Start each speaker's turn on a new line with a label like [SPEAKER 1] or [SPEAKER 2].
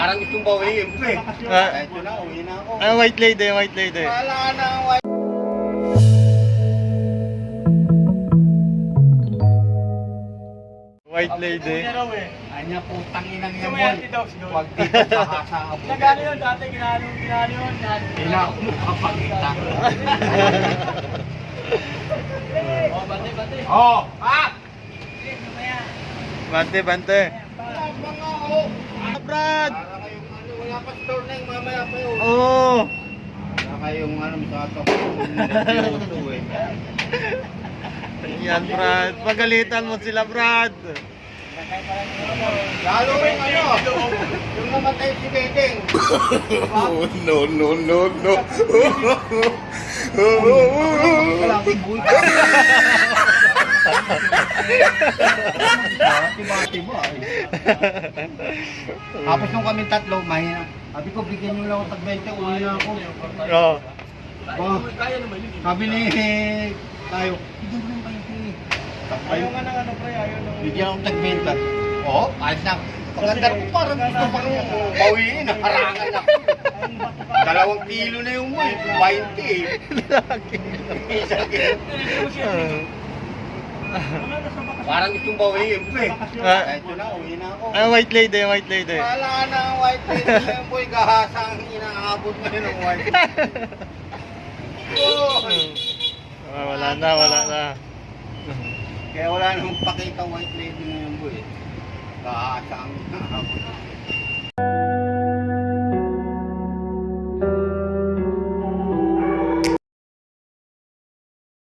[SPEAKER 1] Parang gustong bawiin pa eh. Kahit yun na, uwi na ako.
[SPEAKER 2] White lady, white lady.
[SPEAKER 1] Wala na ang white.
[SPEAKER 2] White lady.
[SPEAKER 1] Anya putang inang yan boy. Huwag dito kakasa ka po.
[SPEAKER 3] Nagano yun dati, ginano yun.
[SPEAKER 1] Hindi na ako makapagkita.
[SPEAKER 3] Oh, bante.
[SPEAKER 1] Oh! Ah!
[SPEAKER 2] Bante, bante.
[SPEAKER 1] Wala pa nga ako.
[SPEAKER 2] Brad!
[SPEAKER 1] Para kayong ano, wala pa store na yung mamaya pa yun.
[SPEAKER 2] Oh!
[SPEAKER 1] Para kayong ano, masatok yung nervyoso eh.
[SPEAKER 2] Yan, Brad. Pagalitan mo sila, Brad.
[SPEAKER 1] Lalo yung ano, yung namatay si Bedeng.
[SPEAKER 2] No.
[SPEAKER 1] Kalaki buhay. Bati-bati ba eh. Tapos nung kami tatlo, mahina. Sabi ko, bigyan nyo lang ako tag 20, uwi na ako.
[SPEAKER 2] Oh.
[SPEAKER 3] Kaya naman yun.
[SPEAKER 1] Sabi ni tayo, bigyan mo lang 20.
[SPEAKER 3] Ayaw nga ng ano, pre, ayaw ng...
[SPEAKER 1] Bigyan ako tag 20. Oo, ayos na. Pagkanda ko parang gusto pang bawiin, harangan na. 2 kilo na yung mo eh, 20 eh. Isang kilo. Parang gustong bawiin pa eh. Kahit yun na, uwi na ako.
[SPEAKER 2] White lady, white lady.
[SPEAKER 1] Wala na ang white lady na yun boy, gahasa ang inaabot mo yun ang white.
[SPEAKER 2] Wala na.
[SPEAKER 1] Kaya wala namang pakita white lady na yun boy. Gahasa ang inaabot.